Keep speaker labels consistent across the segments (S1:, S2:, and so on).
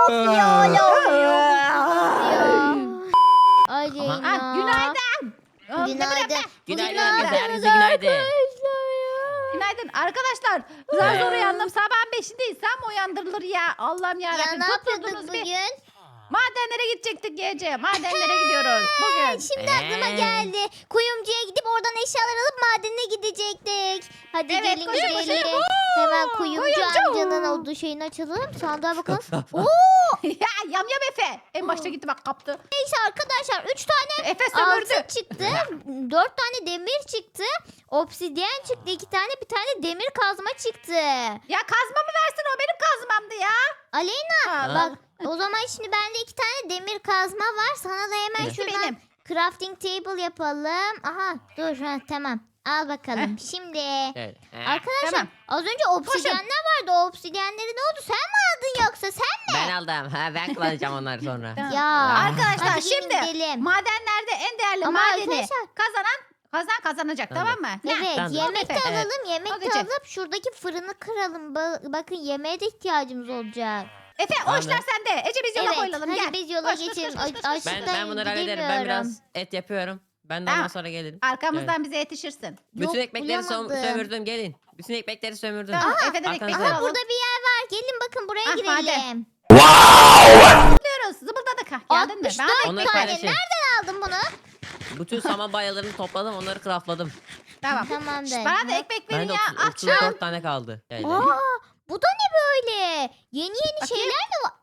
S1: Of ya ne oluyor ya? Ay Zeyna.
S2: Günaydın.
S1: Günaydın.
S3: Günaydın.
S1: Günaydın.
S3: Herkese günaydın.
S2: Günaydın arkadaşlar. Zar zor uyandım. Sabahın 5'indeyiz. Sen mi uyandırılır ya? Allah'ım
S1: Ya
S2: yarabbim.
S1: ne
S2: Tutturdunuz
S1: yapıyorduk
S2: bir.
S1: bugün?
S2: Madenlere gidecektik gece. Madenlere gidiyoruz bugün.
S1: Şimdi aklıma geldi. Kuyumcuya gidip oradan eşyalar alıp madene gidecektik. Hadi
S2: Evet,
S1: gelin
S2: koşun, koşun.
S1: gidelim. Hemen kuyumcu
S2: Kuyumcu.
S1: amcanın olduğu şeyini açalım. Sandığa bakalım. Oo,
S2: Ya yam Efe. En başta gitti bak kaptı.
S1: neyse arkadaşlar 3 tane
S2: Efe sömürdü.
S1: altın çıktı. 4 tane demir çıktı. Obsidyen çıktı. 2 tane bir tane demir kazma çıktı.
S2: Ya kazma mı versin, o benim kazmamdı ya.
S1: Aleyna
S2: Allah.
S1: bak o zaman şimdi bende 2 tane demir kazma var. Sana da hemen
S3: Evet.
S1: şuradan
S2: Benim.
S1: crafting table yapalım. Aha dur tamam. Al bakalım. Şimdi
S3: Evet.
S1: arkadaşlar
S2: Tamam.
S1: az önce obsidyenler vardı. O obsidyenleri ne oldu? Sen mi aldın yoksa sen?
S3: Ben aldım. Ben kullanacağım onları sonra.
S2: Tamam.
S1: Ya
S2: Arkadaşlar
S1: hadi gelin
S2: şimdi
S1: gidelim.
S2: madenlerde en değerli
S1: Ama
S2: madeni
S1: arkadaşlar
S2: kazanacak,
S3: Tamam.
S2: tamam mı?
S1: evet
S3: Tamam.
S1: yemek de
S2: Efe.
S1: alalım. Yemek
S2: Hadi
S1: de
S2: Ece.
S1: alıp şuradaki fırını kıralım. Bakın yemeğe de ihtiyacımız olacak.
S2: Efe o
S3: Tamam.
S2: işler sende. Ece biz yola
S1: Evet
S2: koyulalım,
S1: hadi
S2: gel.
S1: biz yola
S2: Koş, koş,
S1: geçelim.
S2: koş, koş, koş.
S1: Açlıktan
S3: Ben bunları hallederim. Ben biraz et yapıyorum. Ben de ondan
S2: Tamam.
S3: sonra gelin.
S2: Arkamızdan bize yetişirsin.
S3: Bütün
S1: Yok,
S3: ekmekleri
S1: bulamadım.
S3: sömürdüm. Gelin. Bütün ekmekleri sömürdüm.
S2: Tamam, Efe'den
S3: arkanızda.
S2: ekmekleri
S1: Aha
S2: alalım.
S1: burada bir yer var. Gelin bakın buraya
S2: Ah,
S1: girelim.
S2: Zıplıyoruz. Zıbıldadık. Geldin mi?
S1: 64
S2: Ben
S3: Onları
S1: tane.
S3: paylaşayım.
S1: Nereden aldın bunu?
S3: Bütün saman bayalarını topladım. Onları craftladım.
S2: Tamam.
S1: Tamamdır.
S2: Bana da ekmek verin
S3: Bende
S2: ya. Aç.
S3: 34 tane kaldı. Geldi.
S1: Aa, bu da ne böyle? Yeni
S2: Bakayım.
S1: şeyler mi var?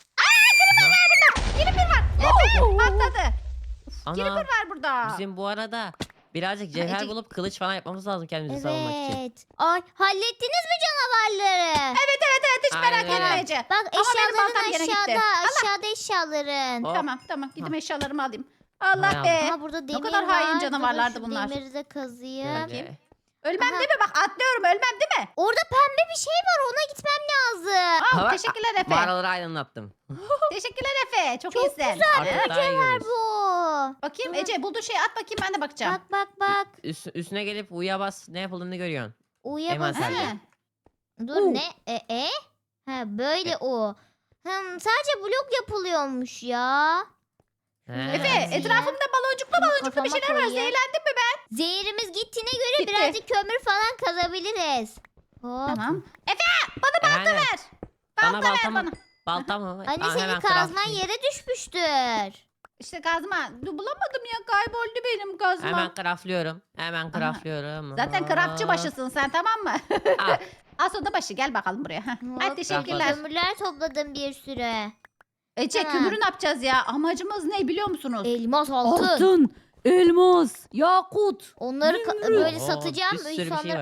S2: Creeper var. Efe patladı.
S3: Ana,
S2: Creeper var burada.
S3: bizim bu arada birazcık cevher
S2: Ece-
S3: bulup kılıç falan yapmamız lazım kendimizi savunmak için.
S1: Evet. Ay hallettiniz mi canavarları?
S2: Evet hiç merak
S3: Aynen öyle.
S2: etme Ece.
S1: Bak
S2: Ama benim baltam
S1: eşyaların
S2: gene gitti.
S1: aşağıda. Aşağıda eşyaların.
S3: Hop.
S2: Tamam gidip eşyalarımı alayım. Allah
S3: Tamam.
S2: be.
S1: Aha burada demir
S2: kadar hain
S1: var.
S2: canavarlardı
S1: Dur, şu
S2: bunlar.
S1: Demiri de kazıyım.
S3: Böyle.
S2: Ölmem
S1: Aha.
S2: değil mi? Bak atlıyorum, ölmem değil mi?
S1: Orada pembe bir şey var. Ona gitmem lazım.
S2: Aa,
S3: Bak,
S2: teşekkürler Efe.
S3: Mağaraları aydınlattım.
S2: Teşekkürler Efe. Çok iyisin.
S3: Artık daha iyi görüyoruz.
S1: Bu.
S2: Bakayım
S1: Dur.
S2: Ece bulduğu şeyi at bakayım, ben de bakacağım.
S1: Bak.
S3: Üstüne gelip uya bas, ne yapıldığını görüyorsun.
S1: Uya
S3: Hemen sen de.
S1: basayım. Dur
S2: U.
S1: ne? Ha böyle o. Sadece blok yapılıyormuş ya.
S3: He.
S2: Efe
S1: Ya.
S2: etrafımda baloncuklu bir
S1: Kafama
S2: şeyler var.
S1: koyayım.
S2: Zehirlendim mi ben?
S1: Zehirimiz gittiğine göre
S2: Gitti.
S1: birazcık kömür falan kazabiliriz. Hop.
S2: Tamam. Efe bana balta
S3: Aynen.
S2: ver.
S3: Bana
S2: Balta ver
S3: balta mı?
S2: bana.
S3: Balta mı?
S1: Anne
S3: Aa,
S1: senin
S3: hemen
S1: kazman
S3: craftlayayım.
S1: yere düşmüştür.
S2: İşte kazma. Bulamadım ya, kayboldu benim kazma.
S3: Hemen craftlıyorum. Hemen craftlıyorum.
S2: Zaten krapçı başısın sen, tamam mı?
S3: Al.
S2: As oda başı, gel bakalım buraya. Heh. Hadi
S1: Hop,
S2: teşekkürler.
S1: Kömürler topladım bir sürü.
S2: Ece
S1: Tamam.
S2: kömürü ne yapacağız ya? Amacımız ne biliyor musunuz?
S1: Elmas altın.
S2: elmas, yakut.
S1: Onları
S2: Kömür.
S1: böyle
S3: Oo,
S1: satacağım.
S3: Bir sürü bir şey
S1: insanlara-
S3: var.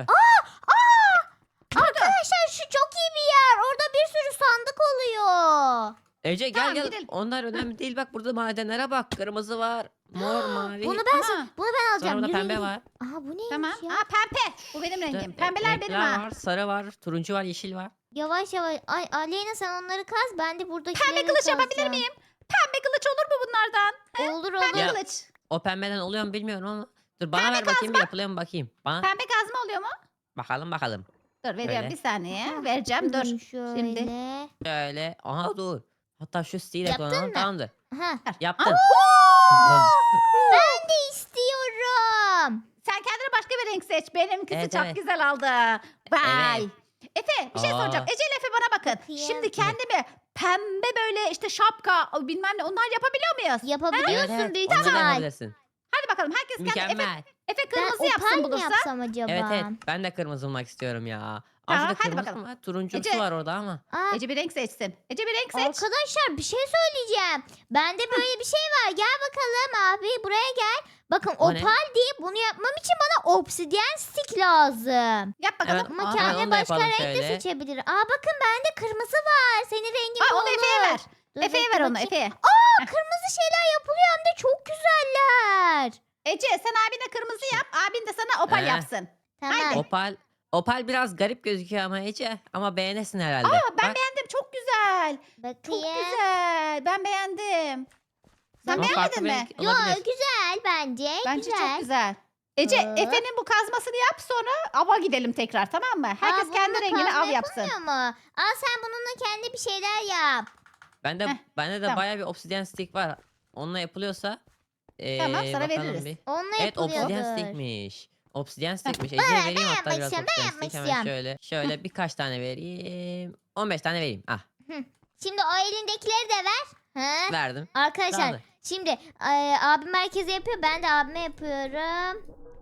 S1: Arkadaşlar şu çok iyi bir yer. Orada bir sürü sandık oluyor.
S3: Ece
S2: Tamam,
S3: gel.
S2: gidelim.
S3: Onlar önemli değil. Bak burada madenlere bak. Kırmızı var. Mor, mavi.
S1: Bunu
S2: Aha.
S1: ben alacağım.
S3: Sonra burada
S1: Yürü,
S3: pembe
S1: yürü.
S3: var.
S1: Aha bu neymiş
S2: Tamam.
S1: ya?
S2: Aa pembe. Bu benim
S3: İşte
S2: rengim. Pembeler benim
S3: renkler
S2: ha.
S3: var. Sarı var. Turuncu var. Yeşil var.
S1: Yavaş yavaş. Ay Aleyna sen onları kaz. Ben de buradakileri
S2: Pembe kılıç yapabilir
S1: kazacağım.
S2: miyim? Pembe kılıç olur mu bunlardan?
S1: Olur
S2: Pembe
S3: Ya.
S1: olur.
S2: kılıç.
S3: O pembeden oluyor mu bilmiyorum ama. Dur bana
S2: Pembe
S3: ver bakayım bir yapılıyor mu bakayım. Bana
S2: Pembe kazma oluyor mu?
S3: bakalım.
S2: Dur veriyorum
S3: Böyle.
S2: bir saniye. Vereceğim dur.
S1: Şöyle.
S2: Şimdi.
S3: Şöyle. Aha dur. Hatta şu stile
S1: Yaptın
S3: kullanalım.
S1: mı?
S3: Tamamdır.
S1: Ha.
S3: Yaptım.
S1: Ben de istiyorum.
S2: Sen kendine başka bir renk seç. Benimkisi
S3: Evet,
S2: çok
S3: evet.
S2: güzel oldu. Vay.
S3: Evet.
S2: Efe bir şey
S3: Aa.
S2: soracağım. Ece ile Efe bana bakın.
S1: Bakayım.
S2: Şimdi kendime pembe böyle işte şapka bilmem ne, onlar yapabiliyor muyuz?
S1: Yapabiliyorsun büyük
S3: Onları
S1: ihtimal.
S3: yapabilirsin.
S2: Hadi bakalım herkes kendi Efe,
S3: Mükemmel.
S2: Efe
S1: Ben
S2: kırmızı
S1: opal
S2: yapsın
S1: mi
S2: bulursa.
S1: yapsam acaba?
S3: Evet. Ben de kırmızı olmak istiyorum ya.
S2: Tamam,
S3: Aa, şurada
S2: hadi
S3: kırmızı
S2: bakalım.
S3: mı var? Turuncusu
S2: Ece-
S3: var orada ama.
S1: Aa,
S2: Ece bir renk seçsin. Ece bir renk seç.
S1: arkadaşlar bir şey söyleyeceğim. Bende böyle bir şey var. Gel bakalım abi buraya gel. Bakın
S3: O ne?
S1: opal diye bunu yapmam için bana obsidyen stick lazım.
S2: Yap bakalım.
S3: Evet.
S1: Ama
S3: Aa,
S1: kendine
S3: onu da
S1: başka
S3: yapalım
S1: renk de
S3: şöyle.
S1: seçebilir. Aa bakın bende kırmızı var. Senin rengin
S2: Aa,
S1: bu
S2: onu
S1: olur.
S2: Efe'ye ver.
S1: Dur,
S2: Efe'ye
S1: bekle
S2: ver onu
S1: bakayım.
S2: Efe'ye.
S1: Kırmızı şeyler yapılıyor hem de çok güzeller.
S2: Ece sen abine kırmızı yap. Abin de sana opal
S3: Ee?
S2: yapsın.
S1: Tamam.
S3: Opal biraz garip gözüküyor ama Ece. Ama beğenesin herhalde.
S2: Aa ben
S3: Bak,
S2: beğendim. Çok güzel. Çok
S1: Bakayım.
S2: güzel. Ben beğendim. Sen
S3: ama farklı
S2: beğenmedin
S3: bir
S2: mi?
S3: renk
S1: Yo
S3: olabilir.
S1: güzel bence.
S2: Bence
S1: güzel.
S2: çok güzel. Ece
S1: Hop.
S2: Efe'nin bu kazmasını yap, sonra ava gidelim tekrar, tamam mı? Herkes
S1: Aa,
S2: kendi
S1: bununla
S2: rengini
S1: kazma
S2: av yapsın.
S1: yapılmıyor mu? Al sen bununla kendi bir şeyler yap.
S3: Bende
S2: Heh,
S3: bende de
S2: tamam.
S3: bayağı bir obsidian stick var. Onunla yapılıyorsa
S2: Tamam, sana
S3: bakalım
S2: veririz.
S3: bir.
S1: Onunla
S3: Evet obsidian
S1: yapılıyordur.
S3: stickmiş. Obsidian stickmiş. Ece'ye vereyim hatta biraz
S1: yapmışım, ben
S3: obsidian stick. Hemen
S1: yapmışım.
S3: şöyle birkaç tane vereyim. 15 tane vereyim. Ah
S1: Hı. Şimdi o elindekileri de ver. Hı?
S3: verdim.
S1: Arkadaşlar
S3: Tamamdır.
S1: şimdi abim herkese yapıyor. Ben de abime yapıyorum.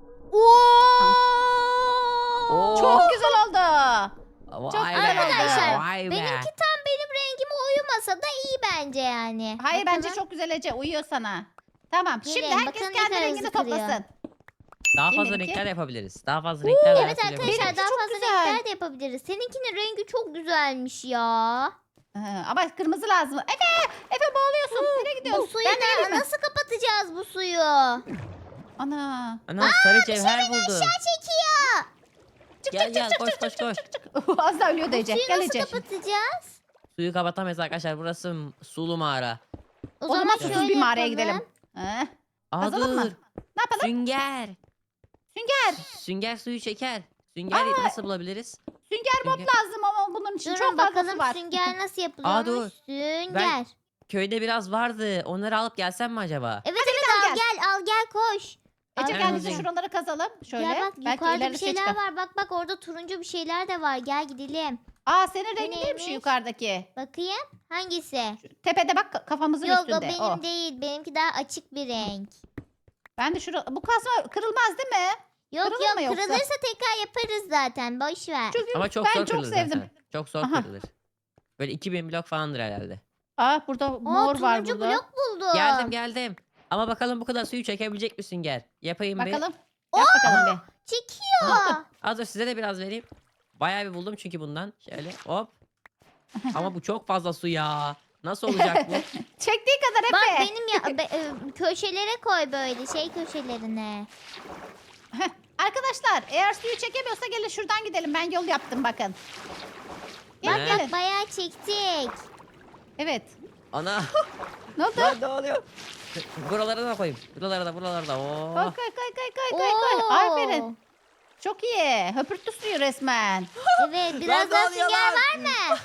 S3: Oo.
S2: Çok güzel oldu.
S3: Vay be,
S1: Arkadaşlar,
S3: vay be.
S1: benimki tam benim rengime uyumasa da iyi bence yani.
S2: Hayır
S1: Bakalım.
S2: bence çok güzel Ece. Uyuyor sana. Tamam.
S1: Gelin,
S2: Şimdi herkes
S1: bakın ne
S2: kendi
S1: kadar
S2: rengini
S1: hızlı kırıyor.
S2: toplasın.
S3: Daha
S2: Kim
S3: fazla
S2: benimki?
S3: renkler yapabiliriz. Daha fazla renkler de
S1: Evet
S3: her türlü
S1: arkadaşlar
S3: yapabiliriz.
S1: daha
S2: çok
S1: fazla
S2: güzel.
S1: renkler de yapabiliriz. Seninkinin rengi çok güzelmiş ya.
S2: Ama kırmızı lazım. Efe boğuluyorsun. Nereye
S1: Bu
S2: gidiyorsun?
S1: suyu
S2: Ben de geleyim mi?
S1: nasıl kapatacağız bu suyu?
S2: Ana.
S3: Ana sarı cevher buldum.
S1: Aşağı çekiyor.
S3: Gel koş koş koş.
S2: Az daha ölüyordu Ece.
S1: Suyu
S2: Gel
S1: nasıl
S2: Ece.
S1: kapatacağız?
S3: Suyu kapatamayız arkadaşlar. Burası sulu mağara.
S2: O zaman
S1: şöyle
S2: susuz bir mağaraya
S1: yapalım.
S2: gidelim. Heh.
S3: Aa
S2: Kazalım
S3: dur.
S2: mı? Ne yapalım?
S3: Sünger.
S2: Sünger.
S3: Sünger suyu çeker. Sünger nasıl bulabiliriz?
S2: Sünger bob
S3: Sünger.
S2: lazım ama bunun için
S1: Durun
S2: çok fazlası
S1: bakalım
S2: var.
S1: sünger nasıl
S3: Aa,
S1: yapılıyormuş?
S3: dur.
S1: Sünger.
S3: Köyde biraz vardı. Onları alıp gelsem mi acaba?
S1: Evet evet
S2: gel.
S1: al gel koş.
S2: Ece
S3: Hemen
S2: gel
S3: hızlı
S2: bize şuraları kazalım. Şöyle.
S1: Gel bak
S2: Belki
S1: yukarıda
S2: ileride
S1: bir
S2: şey
S1: şeyler
S2: çıkar.
S1: var. Bak orada turuncu bir şeyler de var. Gel gidelim.
S2: Aa senin
S1: Bu
S2: rengin değil mi şu
S1: neymiş?
S2: yukarıdaki?
S1: Bakayım. Hangisi?
S2: Tepede bak kafamızın
S1: Yok o
S2: üstünde.
S1: benim
S2: O.
S1: değil. Benimki daha açık bir renk.
S2: Ben de bu kasma kırılmaz değil mi?
S1: Yok
S2: Kırılır
S1: yok
S2: mı yoksa?
S1: kırılırsa tekrar yaparız zaten. Boş ver.
S2: Çünkü
S3: Ama çok
S2: ben
S3: zor
S2: çok
S3: kırılır
S2: sevdim.
S3: zaten. Çok zor
S2: Aha.
S3: kırılır. Böyle 2000 blok falandır herhalde.
S2: Aa burada mor var
S1: turuncu
S2: burada.
S1: blok buldum.
S3: Geldim. Ama bakalım bu kadar suyu çekebilecek mi Sünger? Yapayım bir.
S2: Bakalım. Yap bakalım bir.
S1: Çekiyor.
S3: Az dur size de biraz vereyim. Bayağı bir buldum çünkü bundan. Şöyle hop. Ama bu çok fazla su ya. Nasıl olacak bu?
S2: Çektiği kadar
S1: Bak
S2: Efe.
S1: benim ya köşelere koy böyle şey köşelerine.
S2: Heh, arkadaşlar eğer suyu çekemiyorsa gelin şuradan gidelim. Ben yol yaptım bakın. Gelin
S3: Ne?
S2: gelin.
S1: Bayağı çektik.
S2: Evet.
S3: Ana.
S2: Ne oldu?
S3: Lan ne oluyor? Buralara da koyayım. Buralara da. Oo.
S2: Koy koy.
S1: Oo.
S2: Aferin. Çok iyi. Höpürtü suyu resmen.
S1: Evet biraz daha
S3: Lan ne oluyor
S1: sünger
S3: lan?
S1: var mı?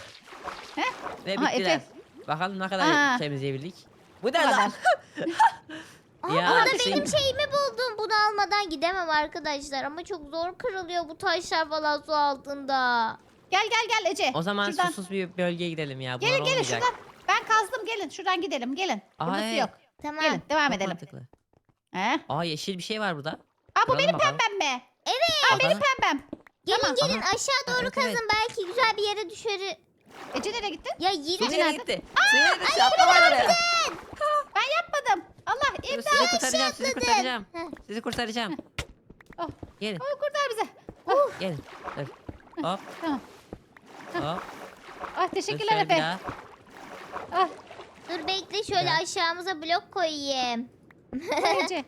S3: Ve
S2: Aha,
S3: bittiler.
S2: Efe.
S3: Bakalım ne kadar
S2: Aa.
S3: temizleyebildik. Bu ne
S2: Bu kadar.
S3: lan?
S1: Aa,
S3: Ya,
S1: burada
S3: şey-
S1: benim şeyimi buldum. Bunu almadan gidemem arkadaşlar. Ama çok zor kırılıyor bu taşlar falan su altında.
S2: Gel Ece.
S3: O zaman
S2: şuradan.
S3: susuz bir bölgeye gidelim ya. Bunlar
S2: Gelin
S3: olmayacak.
S2: şuradan. Ben kazdım gelin. Şuradan gidelim gelin. Burada su
S3: Ay.
S2: yok.
S1: Tamam.
S2: Gelin devam
S3: Çok
S2: edelim.
S3: mantıklı.
S2: He?
S3: Aa yeşil bir şey var burada.
S2: Aa bu
S3: Kıralım
S2: benim
S3: bakalım.
S2: pembem mi?
S3: Benim
S2: Pembem.
S1: Gelin
S2: Tamam.
S1: gelin
S3: Aha.
S1: aşağı doğru
S3: Evet,
S1: kazın.
S3: evet.
S1: Belki güzel bir yere düşer.
S2: Ece nereye gittin?
S1: Ya yine
S3: Su nereye
S2: nerede?
S3: gitti? Su nereye gitti? Atlama oraya.
S2: Ben yapmadım. Allah
S3: Dur,
S2: imdat.
S3: Sizi kurtaracağım. Sizi kurtaracağım.
S1: Heh.
S3: Sizi kurtaracağım.
S2: Oh.
S3: Gelin.
S2: Oh, kurtar bizi.
S3: Gelin. Dur. Hop
S2: Tamam.
S3: hop.
S2: Ah
S3: Dur
S2: teşekkürler
S3: şöyle bir
S2: Efe.
S3: daha.
S2: Ah
S1: Dur bekle şöyle
S3: Ya.
S1: aşağımıza blok koyayım.
S2: koy Ece.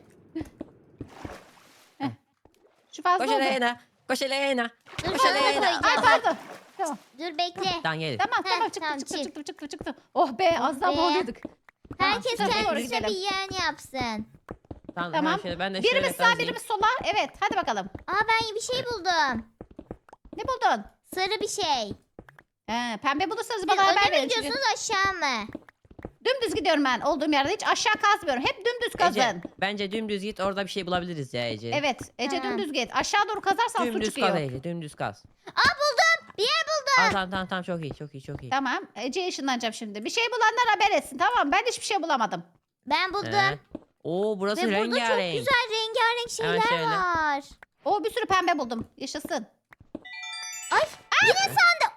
S2: Heh. Şu fazla
S3: Koş
S2: oldu.
S3: Elena. Koş Elena.
S1: Dur
S3: Koş
S1: sana da
S3: Elena.
S2: Ay
S1: koyacağım.
S2: pardon. Tamam.
S1: Dur bekle.
S3: Tamam gelin.
S2: Tamam
S1: Heh,
S2: tamam çıktı
S1: tamam,
S2: çıktı,
S1: çık.
S2: çıktı. Oh be az daha
S1: be.
S2: boğuluyorduk.
S1: Herkes
S2: Tamam, şuraya doğru
S1: kendisine
S2: gidelim.
S1: bir yeğen yapsın.
S3: Tamam,
S2: Tamam.
S3: hemen şöyle ben de şöyle
S2: Birimiz sağ
S3: kazayım.
S2: birimiz sola. Evet hadi bakalım.
S1: Aa ben bir şey buldum.
S2: Ne buldun?
S1: Sarı bir şey.
S2: Pembe bulursanız
S1: Siz
S2: bana haber
S1: öne mi
S2: verin. Çünkü
S1: gidiyorsunuz aşağı mı?
S2: dümdüz gidiyorum ben olduğum yerde. Hiç aşağı kazmıyorum. Hep dümdüz kazın.
S3: Ece, bence dümdüz git orada bir şey bulabiliriz ya Ece.
S2: Evet Ece
S1: Tamam.
S2: dümdüz git. Aşağı doğru kazarsan su
S3: Dümdüz
S2: çıkıyor.
S3: kaz Ece, dümdüz kaz.
S1: Aa buldum. Bir yer buldum.
S3: Tamam çok iyi çok iyi çok iyi.
S2: Tamam. Ece'ye ışınlanacağım şimdi. Bir şey bulanlar haber etsin tamam mı? Ben hiçbir şey bulamadım.
S1: Ben buldum.
S3: He. Oo burası
S1: Ve burada çok
S3: rengarenk.
S1: güzel rengarenk
S3: Hemen
S1: şeyler
S3: şöyle.
S1: var.
S2: O bir sürü pembe buldum. Yaşasın.
S1: Yine sandı.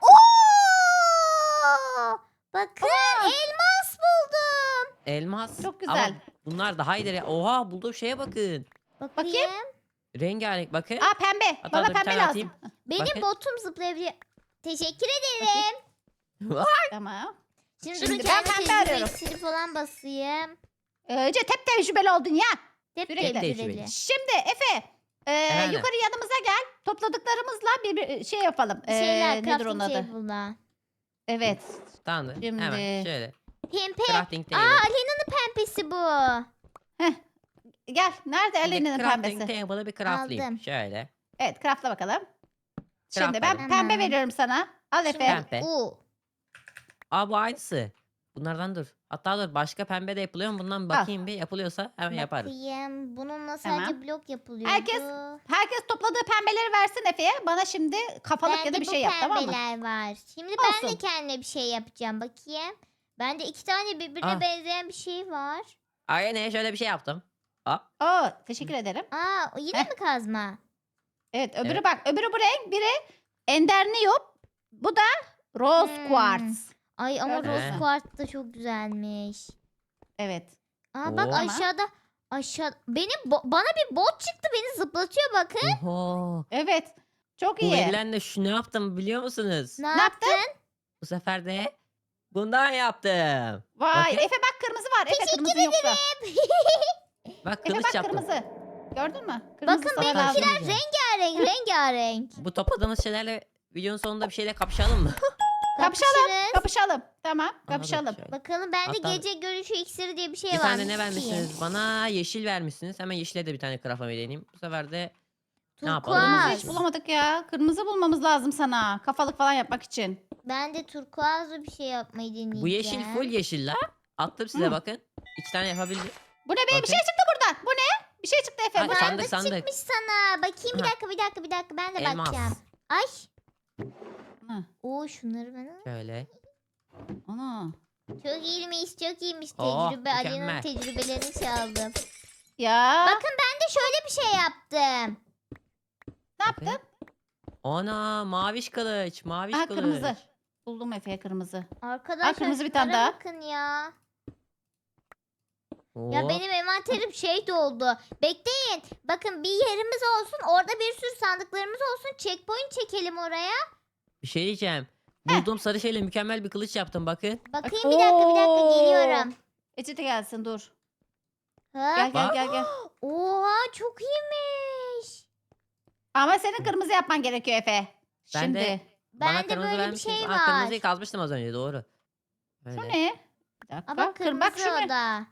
S1: Oo! Bakın elmas buldum.
S3: Elmas.
S2: Çok
S3: Ama
S2: güzel.
S3: bunlar daha iyidir ya. Oha bulduğum şeye bakın.
S1: Bakayım.
S3: Rengarenk bakın.
S2: Aa pembe.
S3: Hatta
S2: Bana
S3: dur, bir
S2: pembe
S3: tane
S2: lazım.
S3: atayım.
S1: Benim
S3: Bakın.
S1: botum zıplayabiliyor. Teşekkür ederim.
S2: Tamam.
S1: Şimdi,
S2: Şimdi
S1: durun
S2: ben
S1: kendi
S2: pembe
S1: tecrübe
S2: arıyorum.
S1: iksiri falan basayım.
S2: Ece tep tecrübeli oldun ya.
S1: Hep
S2: Sürekli.
S1: tecrübeli.
S2: Şimdi Efe.
S3: Efendim?
S2: Yukarı yanımıza gel. Topladıklarımızla bir şey yapalım.
S1: Şeyler
S2: Nedir onun
S1: crafting
S2: adı?
S1: table'la.
S2: Evet.
S3: Tamamdır.
S2: Şimdi-
S3: Hemen şöyle.
S1: Pembe.
S3: Crafting
S1: Aa
S3: table.
S1: Alena'nın pembesi bu.
S2: Gel. Nerede Eleni'nin
S3: Crafting
S2: pembesi?
S3: table'ı bir craftlayayım.
S1: Aldım.
S3: Şöyle.
S2: Evet craftla bakalım. Şimdi ben
S3: Craftladım.
S2: pembe
S1: Tamam.
S2: veriyorum sana. Al Efe.
S3: Pembe.
S1: Oo.
S3: Aa bu aynısı. Bunlardan dur. Hatta dur başka pembe de yapılıyor mu? Bundan bir bakayım bir. Yapılıyorsa hemen yaparız.
S1: Bakayım. Bununla
S2: Tamam.
S1: sadece blok yapılıyordu.
S2: Herkes topladığı pembeleri versin Efe'ye. Bana şimdi kafalık ya da
S1: Bende
S2: bir
S1: bu
S2: şey yap, tamam mı?
S1: pembeler var. Şimdi ben de
S2: Olsun.
S1: kendime bir şey yapacağım. Bakayım. Bende 2 tane birbirine
S3: Ah.
S1: benzeyen bir şey var.
S3: Aynen şöyle bir şey yaptım. Hop.
S2: Oo, teşekkür ederim.
S1: Aa, o yine
S2: Heh.
S1: mi kazma?
S2: Evet, öbürü
S3: Evet.
S2: bak. Öbürü bu renk. Biri Endernium. Bu da Rose
S1: Hmm.
S2: Quartz.
S1: Ay ama
S2: Gördün
S1: rose
S3: mü?
S1: quartz da çok güzelmiş.
S2: Evet.
S1: Aa bak
S3: Oo.
S2: Tamam.
S1: aşağı bana bir bot çıktı, beni zıplatıyor bakın.
S3: Oho.
S2: Evet. Çok
S3: Bu
S2: iyi.
S3: verilenle şu ne yaptım biliyor musunuz?
S1: Ne
S2: Ne yaptın?
S1: yaptın?
S3: Bu sefer de bundan yaptım.
S2: Vay,
S3: Bakın.
S2: Efe bak kırmızı var. Efe kırmızı yoksa.
S3: Bak
S2: Efe
S3: kılıç
S2: bak
S3: yaptım.
S2: kırmızı. Gördün mü? Kırmızı
S1: Bakın
S2: sana lazım.
S3: benimkiler
S1: Rengarenk.
S3: Bu topladığımız şeylerle videonun sonunda bir şeyle kapışalım mı?
S2: Kapışalım.
S1: Kapışırız.
S2: Kapışalım. Tamam,
S3: Aha,
S2: kapışalım.
S3: şöyle.
S1: Bakalım bende
S3: Hatta-
S1: gece görüşü iksiri diye bir şey
S3: Bir
S1: var.
S3: tane ne vermişsiniz? Bana yeşil vermişsiniz. Hemen yeşile de bir tane craftlamayı deneyeyim. Bu sefer de Ne yapalım?
S2: Kırmızı
S1: Turkuaz.
S2: hiç bulamadık ya. Kırmızı bulmamız lazım sana. Kafalık falan yapmak için.
S1: Ben de turkuazlı bir şey yapmayı deneyeceğim.
S3: bu yeşil full yeşil la. Attım size
S2: Hı.
S3: bakın. 2 tane yapabildim.
S2: Bu ne be? Bir
S3: Bakın.
S2: şey çıktı buradan. Bu ne? Bir şey çıktı Efe.
S3: Ay,
S2: Bu ne?
S3: sandık.
S1: Sandık çıkmış sana. Bakayım bir
S3: Ha.
S1: dakika ben de
S3: Elmas.
S1: bakacağım. Ay.
S2: Hı.
S1: Oo şunları bana.
S3: Şöyle.
S2: Ana.
S1: Çok iyiymiş
S3: Oh,
S1: tecrübe. Ali'nin
S3: mükemmel.
S1: tecrübelerini çaldım.
S2: Ya.
S1: Bakın ben de şöyle bir şey yaptım.
S2: Ne yaptın?
S3: Ana maviş kılıç. Maviş
S2: Aha
S3: kılıç.
S2: kırmızı. Buldum Efe'ye kırmızı.
S1: Arkadaşlar
S2: kırmızı bir tane
S1: şunlara
S2: daha.
S1: bakın ya.
S3: Oo.
S1: Ya benim envanterim şey doldu. Bekleyin. Bakın bir yerimiz olsun. Orada bir sürü sandıklarımız olsun. Checkpoint çekelim oraya.
S3: Bir şey diyeceğim. Bulduğum sarı şeyle mükemmel bir kılıç yaptım bakın.
S1: Bakayım bir dakika geliyorum.
S2: Ece de gelsin dur.
S1: Ha?
S2: Gel
S3: Bak.
S2: gel.
S1: Oha çok iyiymiş.
S2: Ama senin kırmızı yapman gerekiyor Efe.
S3: Ben
S2: Şimdi.
S3: de-
S1: Bende
S3: Bana kırmızı
S1: böyle bir
S3: vermişsiniz.
S1: şey
S3: Aa,
S1: var.
S3: kırmızıyı kazmıştım az önce doğru.
S2: Şu
S3: Böyle.
S2: ne? Bir dakika.
S1: Aa, bak kırmızı
S2: bak şu ne?
S1: o da.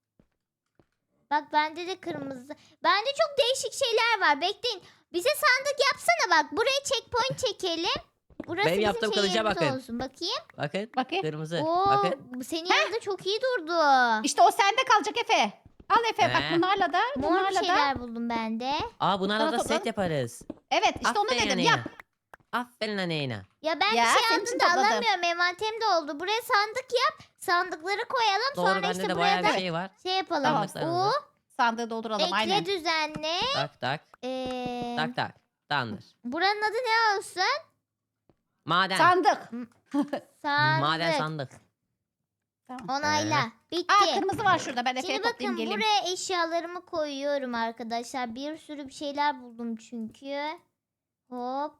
S1: Bak bende de kırmızı. Bende çok değişik şeyler var. Bekleyin. Bize sandık yapsana bak. Buraya checkpoint çekelim. Burası
S3: Benim
S1: bizim
S3: yaptığım kılıca
S1: şeyimiz
S3: bakın.
S1: olsun. Bakayım.
S3: Bakın.
S2: Bakayım.
S3: Kırmızı.
S1: Oo,
S3: Bakın.
S1: bu senin yanında çok iyi durdu.
S2: İşte o sende kalacak Efe. Al Efe bak
S3: He.
S2: bunlarla da.
S1: Mor bir
S2: Bunlarla da.
S1: şeyler buldum ben de.
S3: Aa bunlarla
S2: Sana
S3: da
S2: topla.
S3: set yaparız.
S2: Evet işte onu
S3: Aferin
S2: dedim
S3: Aleyna.
S2: yap.
S3: Aferin Aleyna.
S1: Ya ben
S2: Ya,
S1: bir şey
S2: senin
S1: aldım
S2: için
S1: da
S2: topladım.
S1: alamıyorum. Envanterim de oldu. Buraya sandık yap. Sandıkları koyalım.
S3: Doğru
S1: Sonra
S3: bende
S1: işte
S3: de
S1: buraya
S3: bayağı
S1: da
S3: bir şey var.
S1: şey yapalım.
S3: Sandıklarımızı.
S1: O
S2: Sandığı dolduralım
S1: ekle
S2: aynen.
S1: düzenle.
S3: Tak tak. Tak tak. Tamamdır.
S1: Buranın adı ne olsun?
S3: Maden.
S2: Sandık.
S1: Sandık.
S3: Maden sandık.
S2: Tamam.
S1: Onayla. Bitti.
S2: Aa kırmızı var şurada. Ben Efe'ye
S1: Şimdi
S2: toplayayım
S1: bakın
S2: geleyim.
S1: buraya eşyalarımı koyuyorum arkadaşlar. Bir sürü bir şeyler buldum çünkü. Hop.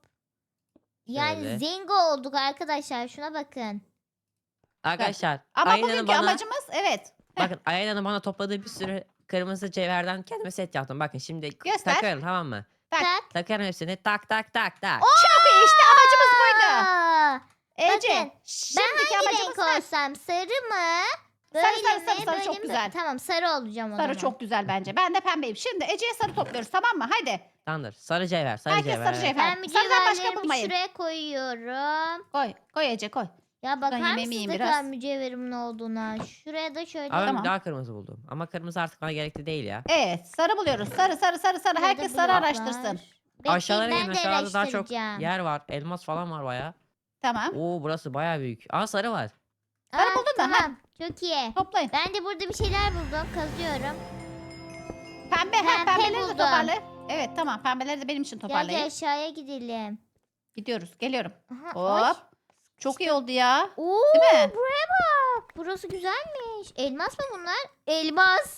S1: Yani
S3: Şöyle.
S1: zengo olduk arkadaşlar. Şuna bakın.
S3: Arkadaşlar.
S2: Ama
S3: Ayla'nın
S2: bugünkü
S3: bana,
S2: amacımız evet.
S3: bakın Ayla'nın bana topladığı bir sürü kırmızı cevherden kendime set yaptım. Bakın şimdi
S2: Göster.
S3: takarım tamam mı?
S2: Tak.
S1: Tak.
S3: Takarım hepsini. Tak tak tak tak.
S2: Çok iyi işte amacımız buydu.
S1: Aa,
S2: Ece.
S1: bakın,
S2: Şimdiki
S1: hangi
S2: amacımız
S1: renk
S2: ne?
S1: olsam? Sarı mı? Böyle
S2: Sarı,
S1: mi?
S2: sarı,
S1: Böyle
S2: çok
S1: mi?
S2: güzel.
S1: Tamam sarı olacağım o
S2: Sarı
S1: zaman.
S2: çok güzel bence. Ben de pembeyim. Şimdi Ece'ye sarı topluyoruz tamam mı? Haydi.
S3: Tamamdır. Sarı cevher. Sarı
S2: Herkes
S3: cevher.
S2: sarı cevher.
S1: Ben
S2: Sarıdan başka
S1: mücevherlerimi
S2: bulmayın.
S1: şuraya koyuyorum.
S2: Koy. Koy Ece koy.
S1: Ya bakar
S2: yemeğimi
S1: mısınız
S2: yiyeyim
S1: ne
S2: biraz.
S1: kadar mücevherimin olduğuna? Şuraya da şöyle.
S3: Ama ben
S2: Tamam.
S3: daha kırmızı buldum. Ama kırmızı artık bana gerekli değil ya.
S2: Evet sarı buluyoruz. Sarı sarı sarı sarı.
S1: Şurada
S2: Herkes sarı
S1: blok var.
S2: araştırsın.
S1: Bekleyin,
S3: Aşağılara
S1: ben
S3: gelin.
S1: de
S3: Aşağıda daha çok
S1: araştıracağım.
S3: yer var. Elmas falan var baya.
S2: Tamam.
S3: Oo burası baya büyük. Aa sarı var.
S2: Sarı
S1: Aa,
S2: buldun da, ha.
S1: tamam. Çok iyi.
S2: Toplayın.
S1: Ben de burada bir şeyler buldum. Kazıyorum.
S2: Pembe.
S1: Pembe
S2: Pembeleri de
S1: buldum.
S2: toparla. Evet tamam. Pembeleri de benim için
S1: Gel
S2: toparlayın.
S1: aşağıya gidelim.
S2: Gidiyoruz. Geliyorum.
S1: Aha, ay.
S2: Hop. Çok iyi oldu ya.
S1: Oo,
S2: Değil mi?
S1: buraya bak. Burası güzelmiş. Elmas mı bunlar? Elmas.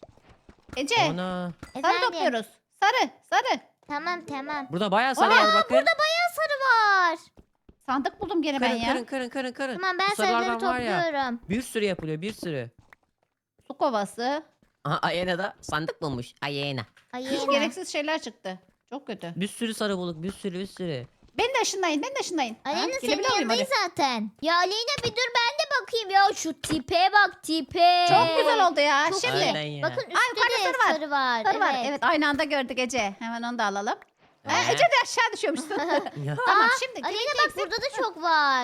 S2: Ece.
S3: Ana.
S2: Sarı
S1: Efendim.
S2: topluyoruz. Sarı. Sarı.
S1: Tamam.
S3: Burada baya sarı
S2: Aa,
S3: var bakın.
S1: Bayağı sarı var.
S2: Sandık buldum gene ben
S3: Kırın
S2: ya.
S3: kırın.
S1: Tamam ben
S3: Bu sarılardan
S1: sarıları
S3: var ya,
S1: topluyorum.
S3: Bir sürü yapılıyor bir sürü.
S2: Su kovası.
S3: Aha Ayena da sandık bulmuş. Ayena.
S1: Ay
S2: Hiç
S1: yine.
S2: gereksiz şeyler çıktı. Çok kötü.
S3: Bir sürü sarı bulduk bir sürü.
S2: Beni de ışınlayın. Beni de ışınlayın. Ha,
S1: Aleyna senin
S2: gelebiliyor muyum
S1: yanındayız
S2: hadi?
S1: zaten. Ya Aleyna bir dur ben de bakayım ya. Şu tipe bak tipe.
S2: Çok güzel oldu ya.
S1: Çok
S2: Şimdi.
S1: iyi.
S3: Aynen ya.
S1: Bakın üstte
S2: yukarıda
S1: de
S2: sarı var.
S1: sarı var.
S2: Sarı var. Evet aynı anda gördük Ece. Hemen onu da alalım. Ha, Ece de aşağı düşüyormuşsun. tamam şimdi
S1: Aleyna
S2: geleceksin.
S1: bak burada da çok var.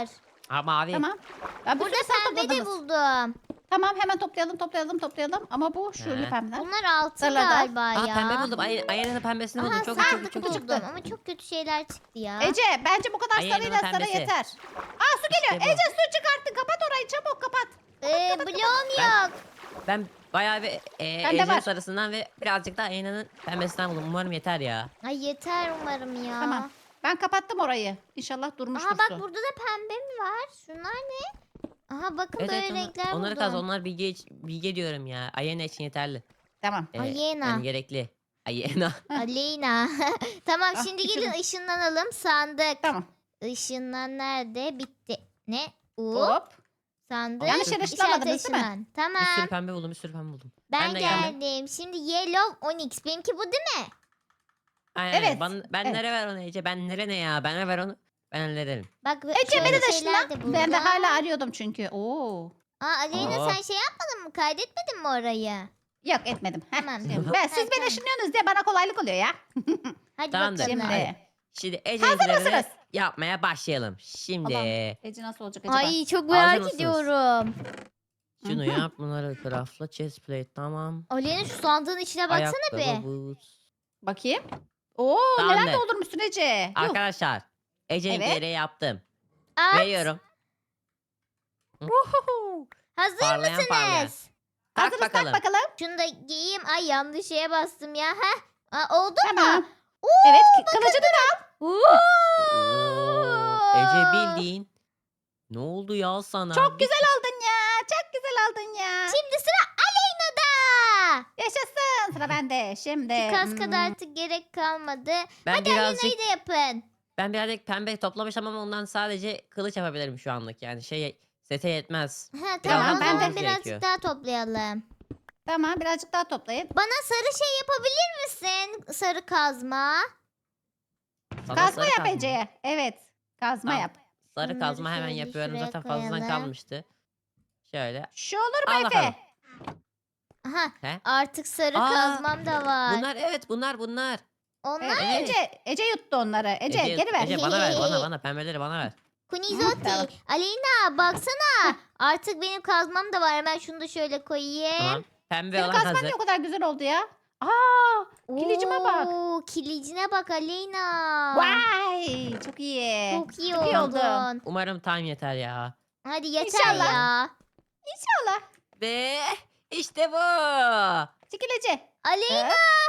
S3: Ha mavi.
S2: Tamam. Ben bir
S1: Burada
S2: sürü sarı
S1: pembe de
S2: topladınız.
S1: buldum.
S2: Tamam hemen toplayalım. Ama bu şöyle
S3: He.
S2: pembeler.
S1: Bunlar altın
S2: Sarılar da.
S1: galiba
S3: Aa
S1: ya.
S3: pembe buldum. Ayanın pembesini buldum.
S1: Aha
S3: Çok iyi, çok iyi,
S1: sandık
S3: çok iyi.
S1: buldum ama çok kötü şeyler çıktı ya.
S2: Ece bence bu kadar
S3: Ay,
S2: sarıyla
S3: yanına
S2: sarı
S3: pembesi.
S2: yeter. Aa su geliyor.
S3: İşte bu.
S2: Ece su çıkarttın. Kapat orayı çabuk kapat.
S1: Bloğum
S3: Ben-
S1: yok.
S3: Ben bayağı bir
S2: Bende
S3: Ece'nin
S2: var.
S3: sarısından ve birazcık da Ayana'nın pembesinden buldum. Umarım yeter ya.
S1: Ay yeter umarım ya.
S2: Tamam. Ben kapattım orayı. İnşallah durmuştur
S1: Aha bak
S2: su.
S1: burada da pembe mi var? Şunlar ne? Aha bakın
S3: Evet,
S1: böyle
S3: evet,
S1: renkler
S3: onları
S1: buldum.
S3: kaz. Onlar bilge diyorum ya. Ayena için yeterli.
S2: Tamam.
S1: Ayena.
S3: Yani gerekli. Ayena.
S1: Aleyna. Tamam
S2: Ah,
S1: şimdi
S2: içelim.
S1: gelin ışınlanalım. Sandık.
S2: Tamam.
S1: Işınlan nerede? Bitti. Ne?
S2: Hop.
S1: Sandık.
S2: Yanlış yere
S1: İşaret
S2: ışınlamadınız değil mi?
S1: ışınlan. Tamam.
S3: Bir sürü pembe buldum. Bir sürü pembe buldum.
S1: Ben
S3: de geldim.
S1: geldim. Şimdi Yellow Onyx. Benimki bu değil mi?
S3: Aynen.
S2: Evet,
S3: Ben
S2: evet.
S3: nereye ver onu Ece? Ben ne ya? Ben ver onu. Ben hallederim.
S1: Bak
S2: Ece
S1: şöyle
S2: beni de
S1: şeyler
S2: ışınla.
S1: buldum.
S2: Ben de hala arıyordum çünkü. Oo.
S1: Aleyna
S3: Aa.
S1: sen şey yapmadın mı? Kaydetmedin mi orayı?
S2: Yok etmedim. Heh.
S1: Tamam.
S2: Ben, siz beni
S1: tamam.
S2: ışınlıyorsunuz diye bana kolaylık oluyor ya.
S1: Hadi
S3: Tamamdır.
S1: bakalım.
S2: Şimdi.
S3: Şimdi
S2: Hazır
S3: Ece'ninkilere
S2: mısınız?
S3: yapmaya başlayalım. Şimdi
S2: Allah'ım. Ece nasıl olacak acaba?
S1: Ay çok
S3: Hazır
S1: merak
S3: mısınız?
S1: ediyorum.
S3: şunu
S2: Hı hı.
S3: yap. Bunları craftla. Chest plate tamam.
S1: Aleyna şu sandığın içine baksana
S3: Ayakkabı,
S1: be.
S3: boots.
S2: Bakayım. Oo
S3: Tamamdır.
S2: neler doldurmuşsun Ece. Yuh.
S3: Arkadaşlar. Ece'ninkilere yaptım.
S1: At.
S3: Veriyorum.
S2: Uhuhu.
S1: Hazır
S3: Parlayan parlayan.
S1: mısınız?
S3: Tak
S2: Hazırız
S3: bakalım.
S2: tak bakalım.
S1: Şunu da giyeyim. Ay yanlış şeye bastım ya. Heh. Oldu
S2: Tamam.
S1: mu?
S2: Evet kılıcını da al.
S3: Oo, Ece bildiğin. Ne oldu ya sana?
S2: Çok güzel aldın ya. Çok güzel aldın ya.
S1: Şimdi sıra Aleyna'da.
S2: Yaşasın. Sıra bende. Şimdi.
S1: Şu kaskada artık gerek kalmadı.
S3: Ben
S1: Hadi
S3: birazcık
S1: Aleyna'yı da yapın.
S3: ben birazcık pembe toplamışım ama ondan sadece kılıç yapabilirim şu anlık. Yani sete yetmez.
S1: Ha,
S3: Biraz
S1: tamam o
S2: daha
S1: zaman
S2: toplamamız
S1: birazcık
S3: gerekiyor.
S1: daha toplayalım.
S2: Tamam birazcık daha toplayın.
S1: Bana sarı şey yapabilir misin? Sarı kazma.
S3: Sana
S2: Kazma
S3: sarı
S2: yap
S3: kazma.
S2: Ece'ye. Evet. Kazma
S3: Tamam.
S2: yap.
S3: Sarı
S1: Bunları
S3: kazma hemen
S1: şöyle
S3: yapıyorum.
S1: şuraya
S3: Zaten fazladan
S1: koyalım.
S3: kalmıştı. Şöyle.
S2: Şu olur mu
S3: Al
S2: Efe?
S3: bakalım.
S1: Aha
S3: He?
S1: artık sarı
S3: Aa,
S1: kazmam da var.
S3: Bunlar evet bunlar.
S1: Onlar
S3: Evet.
S2: Ece yuttu onları. Ece geri ver.
S3: Ece bana ver bana pembeleri bana ver.
S1: Kunizotti.
S2: Tamam.
S1: Aleyna baksana. Artık benim kazmam da var. Hemen şunu da şöyle koyayım.
S3: Tamam. Pembe
S2: Senin
S3: olan
S2: kazman
S3: hazır.
S2: niye o kadar güzel oldu ya? Aa, kilicime bak.
S1: Oo, kilicine bak Aleyna.
S2: Vay, çok iyi.
S1: Çok iyi
S2: Çok iyi oldu.
S1: oldun.
S3: Umarım time yeter ya.
S1: Hadi yeter
S2: İnşallah.
S1: ya.
S2: İnşallah.
S3: Ve işte bu.
S2: Çekil Ece.
S1: Aleyna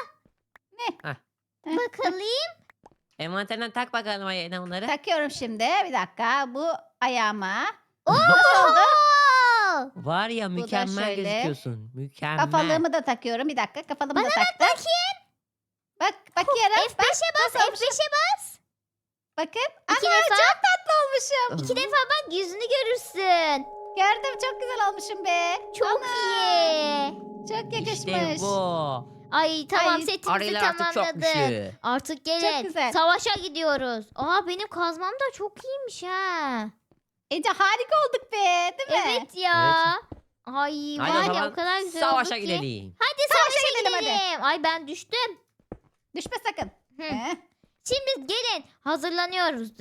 S2: Ne?
S1: bakalım.
S3: Envanterinden tak bakalım ayağına onları.
S2: Takıyorum şimdi. Bir dakika. Bu ayağıma.
S1: Oo!
S2: Nasıl oldu?
S3: Var ya
S2: da
S3: mükemmel
S2: şöyle.
S3: gözüküyorsun. Mükemmel.
S2: Kafalığımı da takıyorum. Bir dakika. Kafalığımı da taktım.
S1: Bakayım.
S2: Bak bakıyorum. Bak,
S1: F5'e bas.
S2: nasıl olmuş?
S1: F5'e bas.
S2: Bakın.
S1: İki
S2: Ana
S1: defa.
S2: çok tatlı olmuşum.
S1: İki defa bak yüzünü görürsün.
S2: Gördüm çok güzel olmuşum be.
S1: Çok
S2: Ana,
S1: iyi.
S2: Çok yakışmış.
S3: İşte bu.
S1: Ay tamam
S2: Ay,
S1: setimizi
S3: Arılar artık çok
S1: tamamladın.
S3: güçlü.
S1: Artık gelin.
S2: güzel.
S1: Savaşa gidiyoruz. Aa benim kazmam da çok iyiymiş ha.
S2: Ece harika olduk be. Değil mi?
S1: Evet ya. Ay
S3: Hadi o
S1: var ya
S3: zaman
S1: o kadar güzel
S3: savaşa
S1: oldu ki.
S3: gidelim.
S1: Hadi
S2: Savaşa
S1: savaşa
S2: gidelim, hadi.
S1: gidelim. Ay ben düştüm.
S2: Düşme sakın.
S1: Hı.
S2: He.
S1: Şimdi gelin hazırlanıyoruz.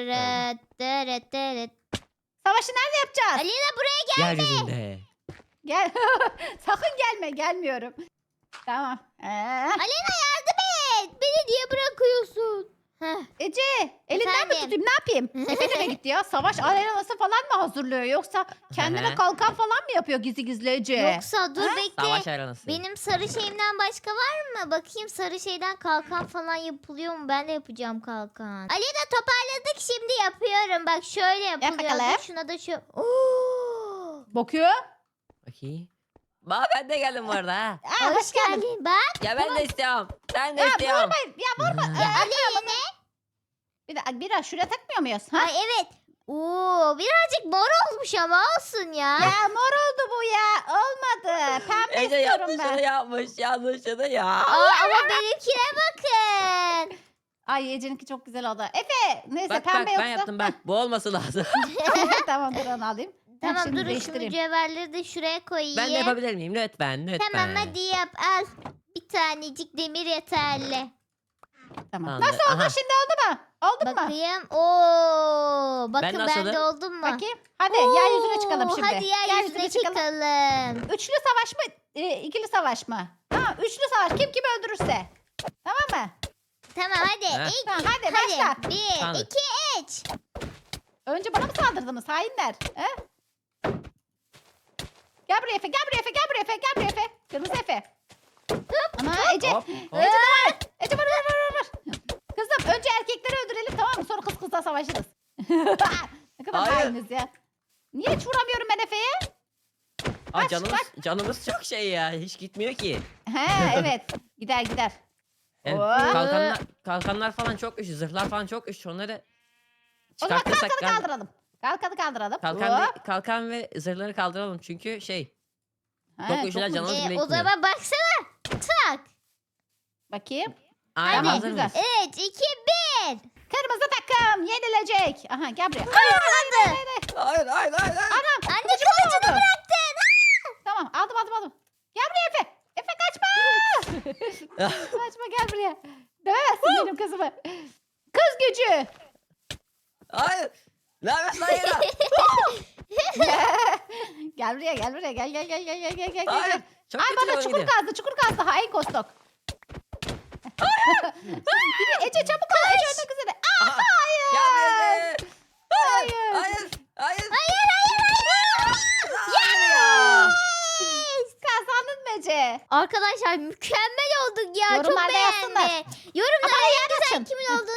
S2: Savaşı nerede yapacağız?
S1: Alina buraya
S3: Yeryüzünde.
S2: Gel. Sakın gelme. Gelmiyorum. Tamam.
S1: Alina yardım et. Beni niye bırakıyorsun? Heh.
S2: Ece elinden
S1: Efendim?
S2: mi tutayım ne yapayım? Efe nereye gitti ya? Savaş arenası falan mı hazırlıyor? Yoksa kendine
S3: Hı.
S2: kalkan falan mı yapıyor gizli gizli Ece?
S1: Yoksa dur bekle.
S3: Savaş arenası.
S1: Benim sarı şeyimden başka var mı? Bakayım sarı şeyden kalkan falan yapılıyor mu? Ben de yapacağım kalkan. Alina toparladık şimdi yapıyorum. Bak şöyle yapılıyor.
S2: bakalım.
S1: Dur, şuna da şu. Oo!
S2: Bakıyor.
S3: Bakayım. Ben de geldim bu arada ha.
S2: Aa,
S1: Hoş geldin. Bak.
S3: Ya ben de istiyorum. Ben de
S2: Ya
S3: istiyorum.
S2: vurmayın. Ya vurma.
S1: Alina.
S2: Bir de biraz şuraya takmıyor muyuz? Ha?
S1: Ay evet. Oo, birazcık mor olmuş ama olsun ya.
S2: Ya mor oldu bu ya. Olmadı. Pembe
S3: Ece
S2: istiyorum
S3: yanlışını
S2: ben.
S3: yapmış. Yanlışını ya.
S1: Ama benimkine bakın.
S2: Ay Ece'ninki çok güzel oldu. Efe neyse
S3: Bak
S2: pembe
S3: ben
S2: yoksa.
S3: yaptım bak. Bu olması lazım.
S2: Tamam dur onu alayım. Ben
S1: Tamam
S2: şimdi
S1: durun şu
S2: değiştireyim.
S1: mücevherleri de şuraya koyayım.
S3: Ben de yapabilir miyim? Lütfen lütfen.
S1: Tamam hadi yap al. Bir tanecik demir yeterli.
S2: Tamam.
S3: Tamamdır.
S2: Nasıl oldu
S3: Aha.
S2: şimdi oldu mu? Oldu mu?
S1: Bakayım. Oo. bakın
S3: nasılım?
S1: bende oldum mu?
S2: Bakayım. Hadi yeryüzüne çıkalım
S1: Oo,
S2: şimdi.
S1: Hadi yeryüzüne çıkalım.
S2: Üçlü savaş mı? İkili savaş mı? Tamam, üçlü savaş. Kim kimi öldürürse. Tamam mı?
S1: Tamam hadi.
S3: Heh.
S1: İlk
S2: Tamam, hadi başla.
S1: hadi. 1,
S3: Tamam.
S1: 2, 3.
S2: Önce bana mı saldırdınız hainler? He? Gel buraya Efe, gel buraya Efe, gel buraya Efe, gel buraya Efe. Kırmızı Efe. Ana Ece.
S3: Hop, hop.
S2: Ece de var. Ece vur. Kızım önce erkekleri öldürelim tamam mı? Sonra kız kızla savaşırız. Ne kadar
S3: Hayır.
S2: hainiz ya. Niye hiç vuramıyorum ben Efe'ye?
S3: Aa,
S2: Kaç,
S3: canımız çok şey ya. Hiç gitmiyor ki.
S2: He evet. Gider.
S3: Yani
S2: Oo.
S3: kalkanlar falan çok güçlü. Zırhlar falan çok güçlü. Onları
S2: O zaman
S3: çıkartırsak
S2: kalkanı kaldıralım. Kalkanı kaldıralım.
S3: kalkan ve zırhları kaldıralım. Çünkü
S2: He,
S3: çok güçlüler,
S2: çok
S3: canımız bile
S1: O
S3: gitmiyor.
S1: zaman baksana. Tak.
S2: Bakayım.
S3: Aynen,
S2: Tamam,
S3: hazır
S2: güzel.
S3: mıyız?
S1: 3, 2, 1.
S2: Kırmızı takım yenilecek. Aha gel buraya.
S1: Kazandı.
S3: Hayır.
S2: Anam.
S1: Anne kılıcını bıraktın.
S2: Tamam aldım. Gel buraya Efe. Efe kaçma. Kaçma gel buraya. Dövemezsin benim kızımı. Kız gücü.
S3: Hayır. Ne yapıyorsun hayır?
S2: Gel buraya gel.
S3: Hayır. Çok
S2: Ay
S3: kötü
S2: bana
S3: yol
S2: çukur
S3: gidiyor.
S2: kazdı hain kostok. Yine Ece çabuk ol Ece ölmek üzere. Aa,
S3: Aha,
S2: hayır.
S3: Gel buraya.
S2: Hayır.
S3: Hayır.
S2: Kazandın mı Ece?
S1: Arkadaşlar mükemmel olduk ya.
S2: Yorumlarda
S1: Çok
S2: yazsınlar.
S1: beğendim. Yorumlara
S2: Ama
S1: en güzel
S2: açın.
S1: kimin olduğunu